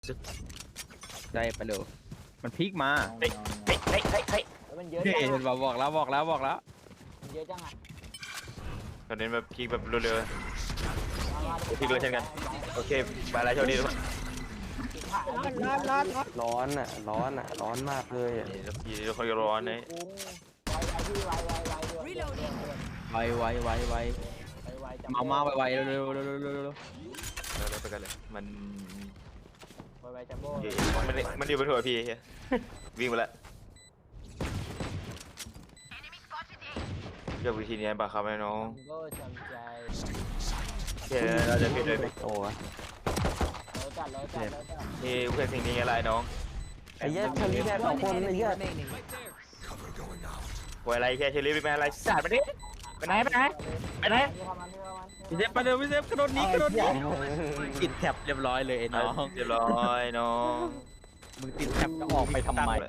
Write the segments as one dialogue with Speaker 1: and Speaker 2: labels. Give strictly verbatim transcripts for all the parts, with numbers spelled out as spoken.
Speaker 1: ได้ไปเลยมันพลิกมา
Speaker 2: เฮ้ยเฮ้ยเฮ้ยเฮ้ยเฮ้ย
Speaker 3: มันเยอะ
Speaker 1: เฮ้
Speaker 3: จั
Speaker 1: ย
Speaker 3: ง
Speaker 1: เห็นบอกบอกแล้วบอกแล้วบอกแล้ว
Speaker 3: มันเยอะจังอ่ะ
Speaker 2: ตอนนี้แบบพีกแบบเร็วๆพีกเลยเช่นกันโอเคบายแล้วโชคดีทุกคน
Speaker 3: ร้อนร้อนร้อน
Speaker 4: ร้อนอ่ะร้อนอ่ะร้อนมากเลยอ่ะ
Speaker 2: นี่พี่ทุกคนก็ร้อนนะ
Speaker 3: ไวไวพี่ไวไวไวไวเดือด
Speaker 1: ไวไวไวไว
Speaker 3: ไวไวจัง
Speaker 1: มามาไวไวเร็วเร็วเร็วเร็วเร็วเร็ว
Speaker 2: เราไปกันเลยมัน
Speaker 3: ไวไวจัมโบ้
Speaker 2: มันมันอยู่บนหัวพี่วิ่งไปแล้วเลือกวิธีนี้บ้าครับไอ้น้อง
Speaker 3: จัมโบ้จำใจ
Speaker 2: เชื่อเราจะผิดเลยไหม
Speaker 4: โอ้ย
Speaker 3: แล้วจัดแล้วจัดแล้วจัด
Speaker 2: นี่เพื่อนสิ่งนี้อะไรน้อง
Speaker 4: ไอ้เหี้ยเชอรี่แค่สองคนไอ้เหี้ย
Speaker 2: ป่วยอะไรแค่เชลิฟเป็นอะไรสาดมาดิไปไหนไปไหนไปไหน
Speaker 1: พี่เซฟไปเร็วพี่เซฟกระโดดหนีกระโดดหนีติดแท็บเรียบร้อยเลยไอ้น้อง
Speaker 2: เรียบร้อยน้อง
Speaker 1: มึงติดแท็บจะออกไปทำไม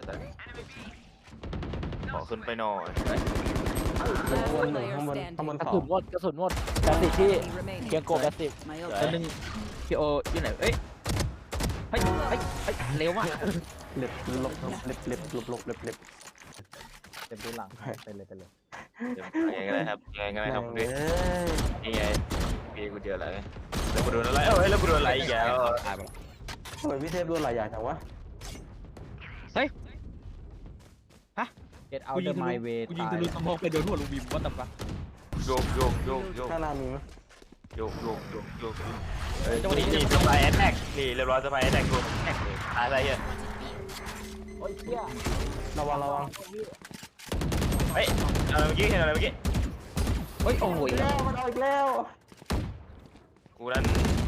Speaker 2: ขอขึ้นไปหน่อย
Speaker 4: ข้างบนหนึ่งข้างบนข้างบน
Speaker 3: กระ
Speaker 4: สอ
Speaker 3: สุ
Speaker 4: ง
Speaker 3: นหมดกระสุนหมดแปดสิบที่เกียงโกแปดสิบ
Speaker 1: แล้วนึงพี่โออยู่ไหนเอ้ยเฮ้ยเฮ้ยเฮ้ยเร็วว่ะ
Speaker 4: เล็บลบเล็บเล็บลบลบเล็บเล็บ
Speaker 3: เต็มที่หลังไปเลยไปเลย
Speaker 2: ยังไงก็ได้ครับยังไงก็ได้ครับ
Speaker 4: เอ้
Speaker 2: พี่
Speaker 4: ย
Speaker 2: นี่ไงพี่กูเจออะไรแล้วกูโดนอะไรเอ้ยแล้วกูโดนอะไรอีกแล้ว
Speaker 1: ตายไปแล้ว
Speaker 4: ทำไมพี่เทพโดนหลายอย่างจังวะ
Speaker 3: เก็ตเอา
Speaker 1: กู
Speaker 3: เด
Speaker 1: ยิ
Speaker 3: อง ร์
Speaker 1: ทะ
Speaker 3: ไม
Speaker 1: ลุ
Speaker 3: เวย์
Speaker 1: กูยิง
Speaker 3: ตาย
Speaker 1: ทะลุสมองไปโดนหัวลูกบิมว่าแต่ปะ
Speaker 2: โยกโยกโยกโยก
Speaker 4: ข้างหน้ามีไหม
Speaker 2: โยกโยกโยกโยกเฮ้ยนี่นี่สไปแอนแท็กนี่เรียบร้อยสไปแอนแท็กกูแท็กเลยตายอะไรเนี่ย
Speaker 3: โอ้ยเชี่ย
Speaker 4: ระวังระวัง
Speaker 2: เฮ้ยอะไรเมื่อกี้เห็นอะไรเมื่อกี้
Speaker 1: เฮ้ยโอ้โห
Speaker 4: อีกแล้วมันเอาอีกแล้ว
Speaker 2: กูนั้น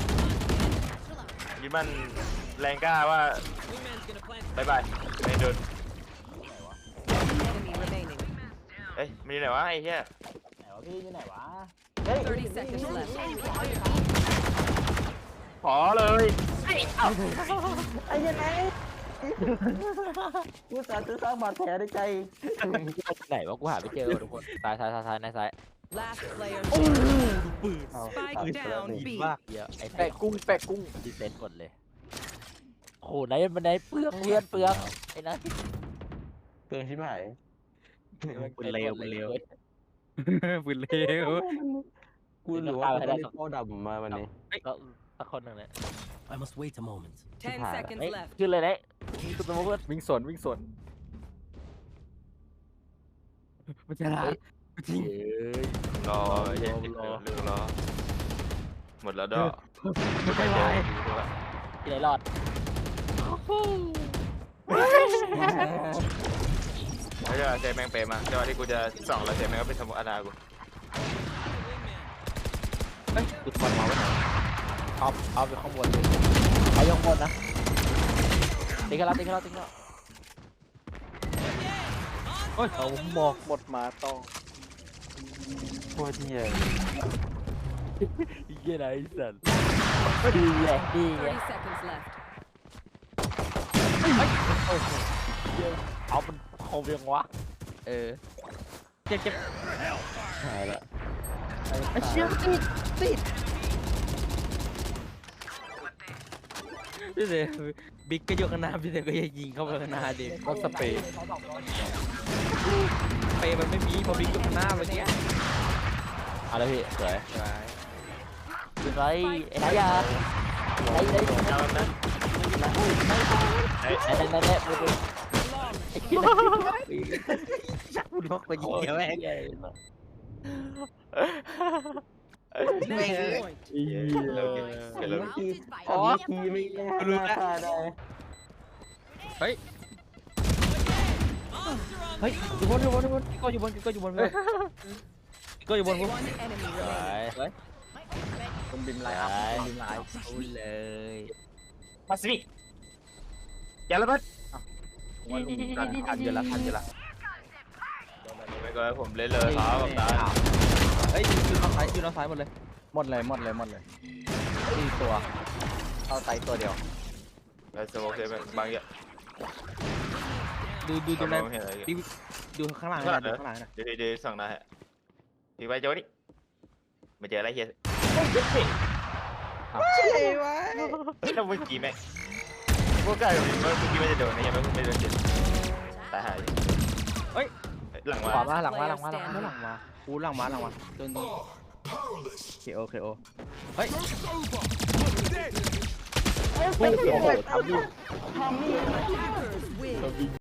Speaker 2: ยึดมันแรงกล้าว่าบายบายไม่โดนเอ้ยมีไหนวะไอ้เหี้ย
Speaker 3: ไหนวะพี่อยู่ไหนวะเฮ้ย
Speaker 5: thirty seconds left.
Speaker 2: ขอเลย
Speaker 4: ไอ้ยังไงกูสาห์จะสร้างบาดแผลในใจ
Speaker 3: ไหนวะกูหาไม่เจอทุกคนซ้ายซ้ายซ้ายซ้ายในซ้าย
Speaker 5: Last player.
Speaker 4: เอา
Speaker 5: Spike
Speaker 4: ตายไปแล้ว
Speaker 5: down
Speaker 4: นี่
Speaker 5: B.
Speaker 3: มากเยอะไอ้แปะกุ้งแปะกุ้งดีเซนหมดเลยโอ้โหไหนมันไหนเปลืองเพื่อนเปลืองไอ้นั่น
Speaker 4: เตือนชิบหาย
Speaker 1: ปืนเร็วปืนเร็วปืนเร็ว
Speaker 4: กูหรือว่ากูได้เข้าดำมาวันนี้
Speaker 3: ก็สักคนหนึ่งเลย
Speaker 6: I must wait a moment.
Speaker 5: Ten
Speaker 4: Hả?
Speaker 5: seconds
Speaker 3: เอ้ย
Speaker 5: left.
Speaker 3: ขึ้นเลยนะขึ้นสมมติว่า
Speaker 1: วิ่งสวนวิ่งสวนมันจะรักจริง
Speaker 2: รอเย็นรอเรื่องรอหมดแล้วดอก
Speaker 1: ไม่ไหว
Speaker 3: ที่ไหนรอด
Speaker 2: แล้วจะเซแมงเปมาจังหวะที่กูจะส่องแล้วเซแมงก็เป็นสมุนอาณากู
Speaker 1: เฮ้ยกูทอนมาไว้ไหน
Speaker 3: เอาเอาไปข้างบนเลยเอายกบนนะติ๊กแล้วติ๊กแล้วติ๊กแล้ว
Speaker 1: เฮ้ย
Speaker 3: เอาหมอกหมดมาต้อง
Speaker 4: โคตรเหี้ย
Speaker 3: เยี่ยไรสันดีไงดีไง
Speaker 5: Thirty seconds left.
Speaker 3: เอามันคมยังวะ
Speaker 1: เออเจ็บเจ็บ
Speaker 4: หายละ
Speaker 1: ไอ้เชี่ยติดติดพี่เซบิ๊กก็ยกข้างหน้าพี่เซก็ยังยิงเข้าไปข้างหน้าดิก็สเปรย์สเปรย์มันไม่มีพอบิ๊กยกข้างหน้าเมื่อกี้
Speaker 3: เอาเลยพี่สวย
Speaker 1: ไป
Speaker 3: เป็นไรไอ้ไหนยาไหนไหน
Speaker 2: เอานะเฮ้ย
Speaker 3: ไหนไหนไหนไหนดูดูไอ้ที่ไหน
Speaker 1: ชักมันล็อกไปยิงแม่ง
Speaker 3: ใหญ่
Speaker 1: แม่ง
Speaker 2: เร็วเร็ว
Speaker 4: เมื่อกี้
Speaker 5: Routed by
Speaker 4: เมื่อกี้ไม่น่าฆ่าได้
Speaker 1: เฮ้ยเฮ้ยอยู่บนอยู่บนอยู่บนก็อยู่บนก็อยู่บนก็อยู่บน
Speaker 5: one enemy
Speaker 3: สวย
Speaker 5: remaining.
Speaker 1: คนบินไลน์อัพคนบินไลน์พูดเลย
Speaker 2: มาสิอย่าละเบิด
Speaker 1: ว่าลุงทันทันอยู่ละทันอยู่ละ
Speaker 2: ไม่ก็ผมเล่นเลยครับกับตา
Speaker 1: เฮ้ยอยู่ทางซ้ายอยู่ทางซ้ายหมดเลย
Speaker 3: หมดเลยหมดเลยหมดเลยสี่ตัวเอาไตตัวเดียว
Speaker 2: แล้วสโมกเซฟบางอย่าง
Speaker 1: ดูดูตรงนั้น
Speaker 2: เห็นอะไร
Speaker 1: ดูข้างหลังนะดูข้างหลังนะ
Speaker 2: เดี๋ยวเดี๋ยวส่องนะฮะทีไปโจนี่มาเจออะไรเฮีย
Speaker 1: ใช่ไหม
Speaker 2: แล้วเมื่อกี้แม่พวกกายเมื่อกี้ไม่ได้โดนนะยังไม่ไม่โดนเจ็บตายหายเฮ้ยหลัง
Speaker 3: ข
Speaker 2: มา
Speaker 3: วามาหลังมาหลังมาหลังมา
Speaker 1: ไม่หลังมากูหลังมาหลังมาตัวนี้
Speaker 4: เคโอเคโอ
Speaker 3: พุ่งโอ้โหทำดิ
Speaker 5: Attackers win.